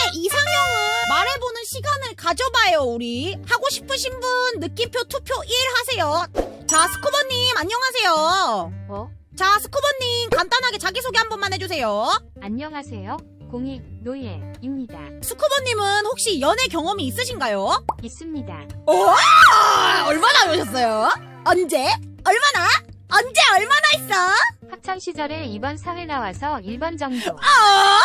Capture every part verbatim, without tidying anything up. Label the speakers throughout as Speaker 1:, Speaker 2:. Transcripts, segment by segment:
Speaker 1: 이상형은 말해보는 시간을 가져봐요. 우리 하고 싶으신 분 느낌표 투표 일 하세요. 자, 스쿠버님 안녕하세요.
Speaker 2: 어?
Speaker 1: 자, 스쿠버님 간단하게 자기소개 한 번만 해주세요.
Speaker 2: 안녕하세요. 공익 노예입니다.
Speaker 1: 스쿠버님은 혹시 연애 경험이 있으신가요?
Speaker 2: 있습니다.
Speaker 1: 오! 얼마나 오셨어요? 언제? 얼마나? 언제 얼마나 있어?
Speaker 2: 학창 시절에 이번 사회 나와서 일 번 정도.
Speaker 1: 아!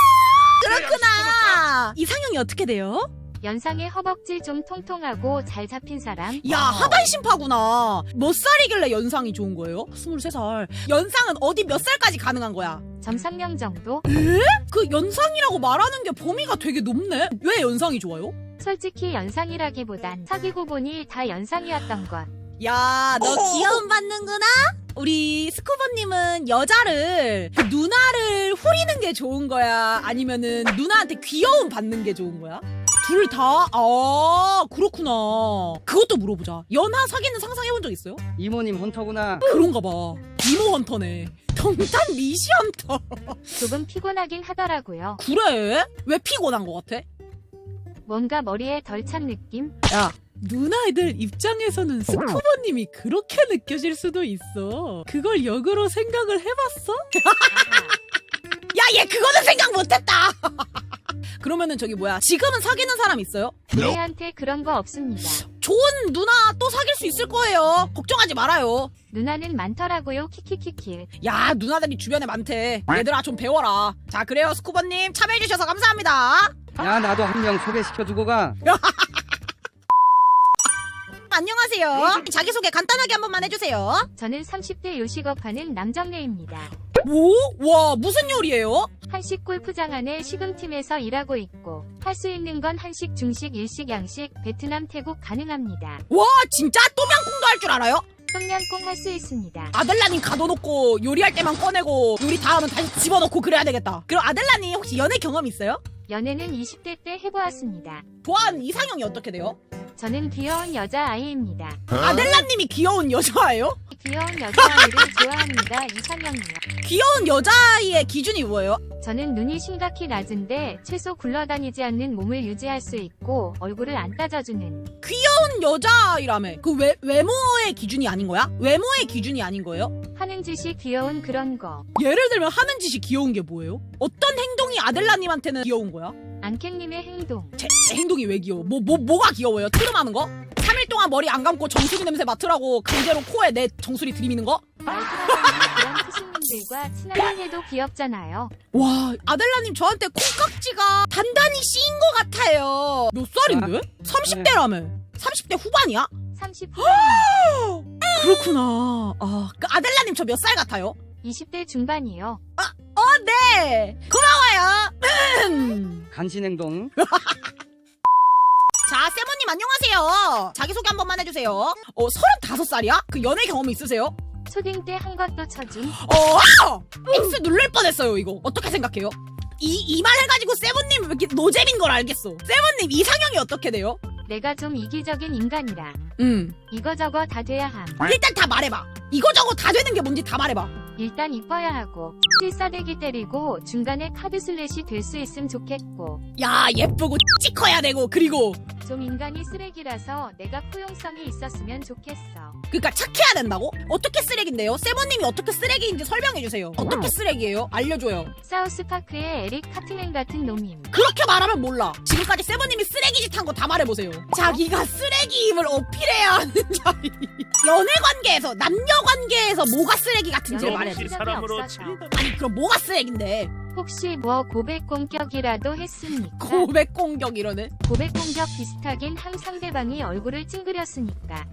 Speaker 1: 그렇구나. 이상형이 어떻게 돼요?
Speaker 2: 연상의 허벅지 좀 통통하고 잘 잡힌 사람.
Speaker 1: 야, 하반신파구나. 몇 살이길래 연상이 좋은 거예요? 스물세 살. 연상은 어디 몇 살까지 가능한 거야?
Speaker 2: 점삼 명 정도?
Speaker 1: 그 연상이라고 말하는 게 범위가 되게 높네? 왜 연상이 좋아요?
Speaker 2: 솔직히 연상이라기보단 사귀고 보니 다 연상이었던 것.
Speaker 1: 야, 너 귀여움 받는구나? 우리 스쿠버님은 여자를 그 누나를 후리는 게 좋은 거야? 아니면은 누나한테 귀여움 받는 게 좋은 거야? 둘 다? 아, 그렇구나. 그것도 물어보자. 연하 사귀는 상상해본 적 있어요?
Speaker 3: 이모님 헌터구나.
Speaker 1: 그런가 봐. 이모 헌터네. 동탄 미시 헌터.
Speaker 2: 조금 피곤하긴 하더라고요.
Speaker 1: 그래? 왜 피곤한 것 같아?
Speaker 2: 뭔가 머리에 덜 찬 느낌?
Speaker 1: 야, 누나애들 입장에서는 스쿠버님이 그렇게 느껴질 수도 있어. 그걸 역으로 생각을 해봤어? 야, 얘 그거는 생각 못했다. 그러면은 저기 뭐야, 지금은 사귀는 사람 있어요?
Speaker 2: 노예한테 그런 거 없습니다.
Speaker 1: 좋은 누나 또 사귈 수 있을 거예요. 걱정하지 말아요.
Speaker 2: 누나는 많더라고요. 키키키키.
Speaker 1: 야, 누나들이 주변에 많대. 얘들아 좀 배워라. 자, 그래요 스쿠버님 참여해주셔서 감사합니다.
Speaker 3: 야, 나도 한 명 소개시켜주고 가.
Speaker 1: 안녕하세요. 자기소개 간단하게 한 번만 해주세요.
Speaker 2: 저는 삼십 대 요식업하는 남정네입니다.
Speaker 1: 뭐? 와, 무슨 요리예요?
Speaker 2: 한식 골프장 안에 식음팀에서 일하고 있고 할 수 있는 건 한식, 중식, 일식, 양식, 베트남, 태국 가능합니다.
Speaker 1: 와, 진짜 똠양꿍도 할 줄 알아요?
Speaker 2: 똠양꿍 할 수 있습니다.
Speaker 1: 아델라님 가둬놓고 요리할 때만 꺼내고 요리 다 하면 다시 집어넣고 그래야 되겠다. 그럼 아델라님 혹시 연애 경험 있어요?
Speaker 2: 연애는 이십 대 때 해보았습니다.
Speaker 1: 좋아하는 이상형이 어떻게 돼요?
Speaker 2: 저는 귀여운 여자아이입니다.
Speaker 1: 아델라님이 귀여운 여자예요?
Speaker 2: 귀여운 여자아이를 좋아합니다. 이상형이요.
Speaker 1: 귀여운 여자아이의 기준이 뭐예요?
Speaker 2: 저는 눈이 심각히 낮은데 최소 굴러다니지 않는 몸을 유지할 수 있고 얼굴을 안 따져주는.
Speaker 1: 귀여운 여자아이라며. 그 외, 외모의 기준이 아닌 거야? 외모의 기준이 아닌 거예요?
Speaker 2: 하는 짓이 귀여운 그런 거.
Speaker 1: 예를 들면 하는 짓이 귀여운 게 뭐예요? 어떤 행동이 아델라님한테는 귀여운 거야?
Speaker 2: 안캥님의 행동.
Speaker 1: 제, 제 행동이 왜 귀여워? 뭐, 뭐, 뭐가 귀여워요? 트름하는 거? 삼 일 동안 머리 안 감고 정수리 냄새 맡으라고 강제로 코에 내 정수리 들이미는 거?
Speaker 2: 말들어가는 그런 크신님들과 친하게 해도 귀엽잖아요.
Speaker 1: 와, 아델라님 저한테 콩깍지가 단단히 씌인 것 같아요. 몇 살인데? 삼십 대라며. 삼십 대 후반이야?
Speaker 2: 삼십
Speaker 1: 그렇구나. 아, 그 아델라님 저 몇 살 같아요?
Speaker 2: 이십 대 중반이요.
Speaker 1: 어, 네. 고마워요.
Speaker 3: 간신행동.
Speaker 1: 자, 세모님 안녕하세요. 자기소개 한 번만 해주세요. 어, 서른다섯 살이야? 그 연애 경험 있으세요?
Speaker 2: 초딩 때 한 것도 쳐줌.
Speaker 1: 어, X 누를 뻔했어요, 이거. 어떻게 생각해요? 이, 이 말 해가지고 세모님 왜 이렇게 노잼인 걸 알겠어. 세모님 이상형이 어떻게 돼요?
Speaker 2: 내가 좀 이기적인 인간이라
Speaker 1: 음.
Speaker 2: 이거저거 다 돼야 함.
Speaker 1: 일단 다 말해봐. 이거저거 다 되는 게 뭔지 다 말해봐.
Speaker 2: 일단 이뻐야 하고 필사대기 때리고 중간에 카드 슬래시 될 수 있으면 좋겠고
Speaker 1: 야, 예쁘고 찍어야 되고, 그리고
Speaker 2: 좀 인간이 쓰레기라서 내가 포용성이 있었으면 좋겠어.
Speaker 1: 그니까 착해야 된다고? 어떻게 쓰레기인데요? 세모님이 어떻게 쓰레기인지 설명해주세요. 어떻게 쓰레기예요? 알려줘요.
Speaker 2: 사우스파크의 에릭 카트맨 같은 놈임.
Speaker 1: 그렇게 말하면 몰라. 지금까지 세모님이 쓰레기짓 한 거 다 말해보세요. 자기가 쓰레기임을 어필해야 하는 자리. 연애관계에서, 남녀관계에서 뭐가 쓰레기 같은지를
Speaker 2: 연애를
Speaker 1: 말해줘.
Speaker 2: 한 적이 없어서.
Speaker 1: 아니, 그럼 뭐가 쓰레기인데?
Speaker 2: 혹시 뭐 고백 공격이라도 했습니까?
Speaker 1: 고백 공격 이러네.
Speaker 2: 고백 공격 비슷하긴 함. 상대방이 얼굴을 찡그렸으니까.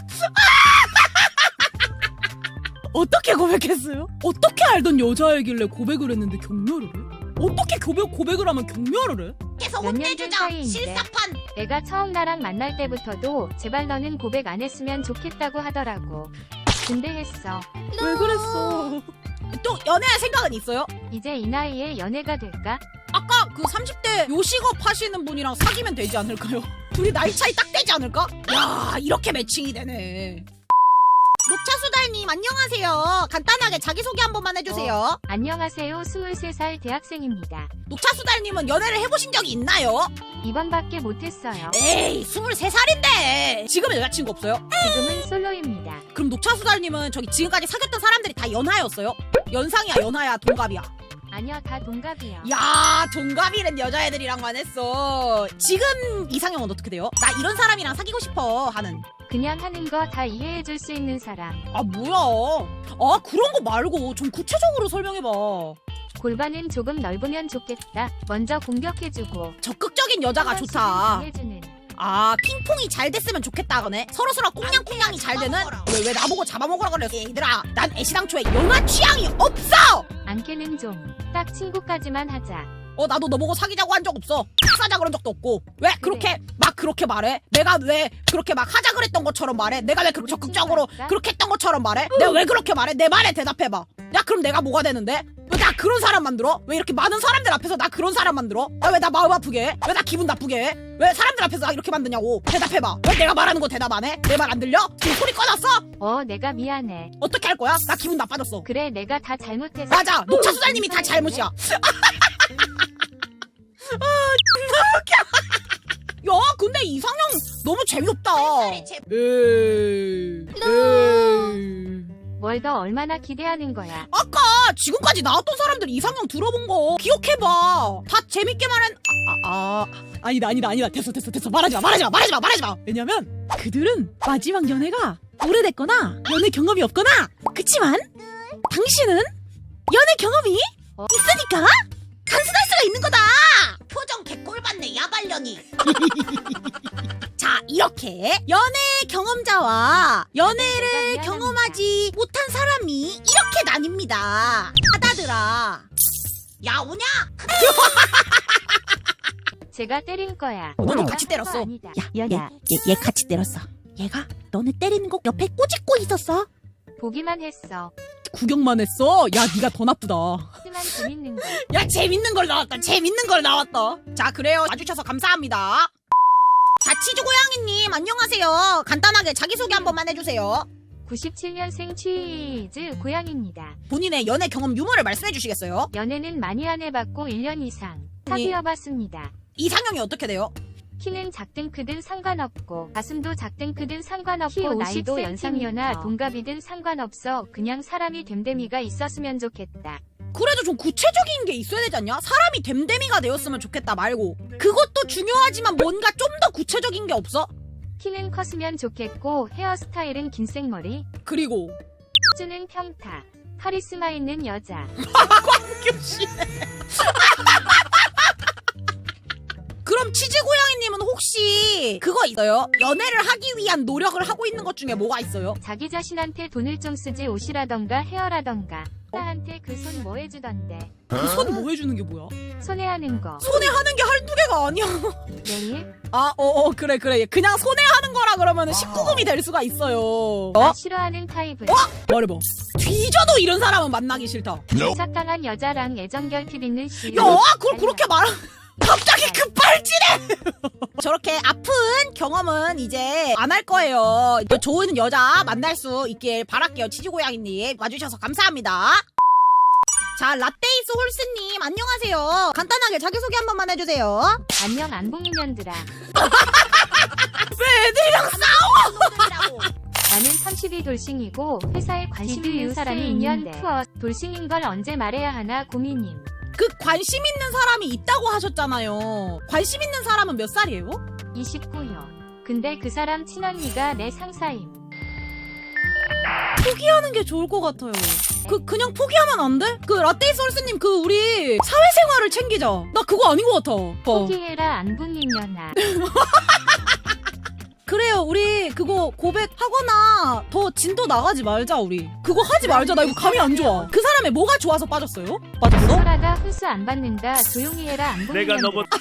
Speaker 1: 어떻게 고백했어요? 어떻게 알던 여자애길래 고백을 했는데 격려를 해? 어떻게 고백, 고백을 하면 격려를 해? 계속
Speaker 2: 몇 년 된 사이인데 내가 처음 나랑 만날 때부터도 제발 너는 고백 안 했으면 좋겠다고 하더라고. 근데 했어.
Speaker 1: 왜 그랬어? 또 연애할 생각은 있어요?
Speaker 2: 이제 이 나이에 연애가 될까?
Speaker 1: 아까 그 삼십 대 요식업 하시는 분이랑 사귀면 되지 않을까요? 둘이 나이 차이 딱 되지 않을까? 야, 이렇게 매칭이 되네. 녹차수달님 안녕하세요. 간단하게 자기소개 한 번만 해주세요.
Speaker 2: 안녕하세요. 스물세 살 대학생입니다.
Speaker 1: 녹차수달님은 연애를 해보신 적이 있나요?
Speaker 2: 이번밖에 못했어요.
Speaker 1: 에이 스물세 살인데 지금은 여자친구 없어요?
Speaker 2: 지금은 솔로입니다.
Speaker 1: 그럼 녹차수달님은 저기 지금까지 사귀었던 사람들이 다 연하였어요? 연상이야 연하야 동갑이야?
Speaker 2: 아니요, 다 동갑이요.
Speaker 1: 야 동갑이란 여자애들이랑만 했어. 지금 이상형은 어떻게 돼요? 나 이런 사람이랑 사귀고 싶어 하는.
Speaker 2: 그냥 하는 거 다 이해해줄 수 있는 사람.
Speaker 1: 아 뭐야 아 그런 거 말고 좀 구체적으로 설명해봐.
Speaker 2: 골반은 조금 넓으면 좋겠다. 먼저 공격해주고
Speaker 1: 적극적인 여자가 좋다.
Speaker 2: 해주는.
Speaker 1: 아 핑퐁이 잘 됐으면 좋겠다 그네. 서로서로 꽁냥꽁냥이 잘 되는. 왜, 왜 나보고 잡아먹으라 그랬어 얘들아. 난 애시당초에 연하 취향이 없어.
Speaker 2: 안캐는 좀. 딱 친구까지만 하자.
Speaker 1: 어 나도 너보고 사귀자고 한 적 없어. 사자 그런 적도 없고. 왜 그렇게 막 그렇게 말해? 내가 왜 그렇게 막 하자 그랬던 것처럼 말해? 내가 왜 그렇게 적극적으로 그렇게 했던 것처럼 말해? 내가 왜 그렇게 말해? 내 말에 대답해봐. 야 그럼 내가 뭐가 되는데? 왜 나 그런 사람 만들어? 왜 이렇게 많은 사람들 앞에서 나 그런 사람 만들어? 야, 왜 나 마음 아프게 해? 왜 나 기분 나쁘게 해? 왜 사람들 앞에서 나 이렇게 만드냐고. 대답해봐. 왜 내가 말하는 거 대답 안 해? 내 말 안 들려? 지금 소리 꺼놨어?
Speaker 2: 어, 내가 미안해.
Speaker 1: 어떻게 할 거야? 나 기분 나빠졌어.
Speaker 2: 그래, 내가 다 잘못했어.
Speaker 1: 맞아 녹차수달님이 다 잘못이야. 아 야 근데 이상형 너무 재미없다. 에이 에이
Speaker 2: 뭘 더 얼마나 기대하는 거야.
Speaker 1: 아까 지금까지 나왔던 사람들 이상형 들어본 거 기억해봐. 다 재밌게 말한 아, 아, 아 아니다 아니다 아니다 됐어 됐어 됐어 말하지마 말하지마 말하지마 말하지마. 왜냐면 그들은 마지막 연애가 오래됐거나 연애 경험이 없거나 그치만 당신은 연애 경험이
Speaker 2: 어?
Speaker 1: 있으니까 단순할 수가 있는 거다. 표정 개꼴받네 야발년이. 자 이렇게 연애 경험자와 연애를
Speaker 2: 내가
Speaker 1: 경험하지 못한 사람이 이렇게 나뉩니다. 아다들아. 야 오냐?
Speaker 2: 제가 때린 거야.
Speaker 1: 너도 같이 때렸어.
Speaker 2: 아니다.
Speaker 1: 야, 얘, 얘, 얘 같이 때렸어. 얘가 너네 때리는 거 옆에 꼬집고 있었어.
Speaker 2: 보기만 했어.
Speaker 1: 구경만 했어. 야 네가 더 나쁘다.
Speaker 2: 하지만 재밌는 거.
Speaker 1: 야 재밌는 걸 나왔다. 재밌는 걸 나왔다. 자 그래요. 와주셔서 감사합니다. 자 치즈고양이님 안녕하세요. 간단하게 자기소개 한 번만 해주세요.
Speaker 2: 구십칠 년생 치즈 고양입니다.
Speaker 1: 본인의 연애 경험 유무를 말씀해 주시겠어요?
Speaker 2: 연애는 많이 안 해봤고 일 년 이상 사귀어봤습니다.
Speaker 1: 이상형이 어떻게 돼요?
Speaker 2: 키는 작든 크든 상관없고 가슴도 작든 크든 상관없고 나이도 연상이거나 동갑이든 상관없어. 그냥 사람이 됨됨이가 있었으면 좋겠다.
Speaker 1: 그래도 좀 구체적인 게 있어야 되지 않냐? 사람이 됨됨이가 되었으면 좋겠다 말고 그것도 중요하지만 뭔가 좀 더 구체적인 게 없어?
Speaker 2: 키는 컸으면 좋겠고 헤어스타일은 긴 생머리.
Speaker 1: 그리고
Speaker 2: 수는 평타. 카리스마 있는 여자.
Speaker 1: 광규씨. 그럼 치즈고양이님은 혹시 그거 있어요? 연애를 하기 위한 노력을 하고 있는 것 중에 뭐가 있어요?
Speaker 2: 자기 자신한테 돈을 좀 쓰지. 옷이라던가 헤어라던가. 나한테 그 손 뭐 해주던데.
Speaker 1: 그 손 뭐 해주는 게 뭐야?
Speaker 2: 손에 하는 거.
Speaker 1: 손에 하는 게 한두 개가 아니야.
Speaker 2: 내일?
Speaker 1: 아, 어, 어, 그래, 그래. 그냥 손에 하는 거라 그러면 십구 금이 될 수가 있어요.
Speaker 2: 나
Speaker 1: 어?
Speaker 2: 싫어하는 타입은
Speaker 1: 말해봐. 뒤져도 이런 사람은 만나기 싫다.
Speaker 2: 착각한 여자랑 애정 결핍 있는 시.
Speaker 1: 야, 그걸 그렇게 말하 갑자기 급발진해! 저렇게 아픈 경험은 이제 안 할 거예요. 좋은 여자 만날 수 있길 바랄게요. 치즈고양이님. 와주셔서 감사합니다. 자, 라떼이스 홀스님, 안녕하세요. 간단하게 자기소개 한 번만 해주세요.
Speaker 2: 안녕 안봉년들아.
Speaker 1: 왜 애들이랑 싸워!
Speaker 2: 나는 삼십이 돌싱이고 회사에 관심 있는 사람이 있는데 투어 돌싱인 걸 언제 말해야 하나 고민임.
Speaker 1: 그 관심 있는 사람이 있다고 하셨잖아요. 관심 있는 사람은 몇 살이에요?
Speaker 2: 이십구요. 근데 그 사람 친언니가 내 상사임.
Speaker 1: 포기하는 게 좋을 것 같아요. 그 그냥 포기하면 안 돼? 그 라떼이스 홀스님 그 우리 사회생활을 챙기자. 나 그거 아닌 것 같아. 어.
Speaker 2: 포기해라 안봉이년아.
Speaker 1: 그래요. 우리 그거 고백하거나 더 진도 나가지 말자 우리. 그거 하지 말자. 나 이거 감이 안 좋아. 그 사람의 뭐가 좋아서 빠졌어요? 빠졌어?
Speaker 2: 소라가 훈수 안 받는다. 조용히 해라 안봉이년들아.
Speaker 4: 내가 너보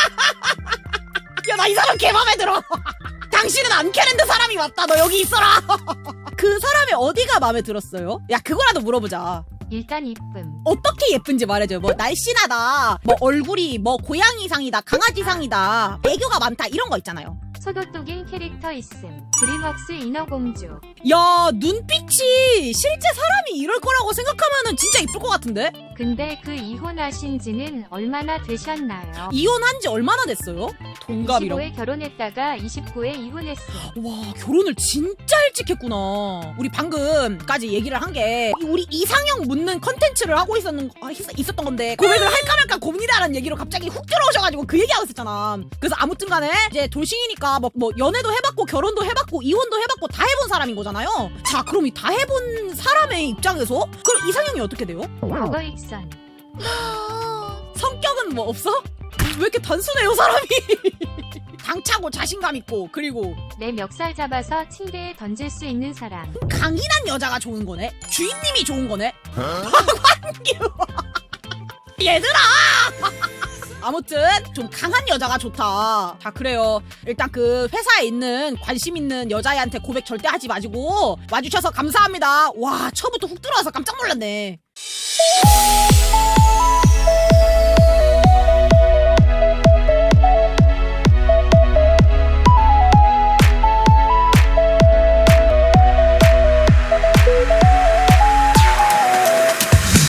Speaker 1: 야, 나 이 사람 개 맘에 들어. 당신은 안캐랜드 사람이 맞다. 너 여기 있어라. 그 사람의 어디가 마음에 들었어요? 야, 그거라도 물어보자.
Speaker 2: 일단 이쁨.
Speaker 1: 어떻게 예쁜지 말해줘요. 뭐 날씬하다, 뭐 얼굴이 뭐 고양이상이다, 강아지상이다, 애교가 많다 이런 거 있잖아요.
Speaker 2: 소도똑인 캐릭터 있음. 드림웍스 인어공주.
Speaker 1: 야, 눈빛이 실제 사람이 이럴 거라고 생각하면은 진짜 이쁠 것 같은데?
Speaker 2: 근데 그 이혼하신 지는 얼마나 되셨나요?
Speaker 1: 이혼한 지 얼마나 됐어요? 동갑이라고.
Speaker 2: 이십오에 결혼했다가 이십구에 이혼했어.
Speaker 1: 와, 결혼을 진짜 일찍 했구나. 우리 방금까지 얘기를 한 게 우리 이상형 묻는 컨텐츠를 하고 있었는, 아, 있, 있었던 건데 고백을 할까 말까 고민이라는 얘기로 갑자기 훅 들어오셔가지고 그 얘기하고 있었잖아. 그래서 아무튼 간에 이제 돌싱이니까 뭐, 뭐 연애도 해봤고 결혼도 해봤고 이혼도 해봤고 다 해본 사람인 거잖아요. 자, 그럼 이 다 해본 사람의 입장에서 그럼 이상형이 어떻게 돼요?
Speaker 2: 과거 익선.
Speaker 1: 성격은 뭐 없어? 왜 이렇게 단순해요 사람이? 당차고 자신감 있고 그리고
Speaker 2: 내 멱살 잡아서 침대에 던질 수 있는 사람.
Speaker 1: 강인한 여자가 좋은 거네. 주인님이 좋은 거네. 얘들아. 아무튼 좀 강한 여자가 좋다. 자, 그래요. 일단 그 회사에 있는 관심 있는 여자애한테 고백 절대 하지 마시고 와주셔서 감사합니다. 와, 처음부터 훅 들어와서 깜짝 놀랐네.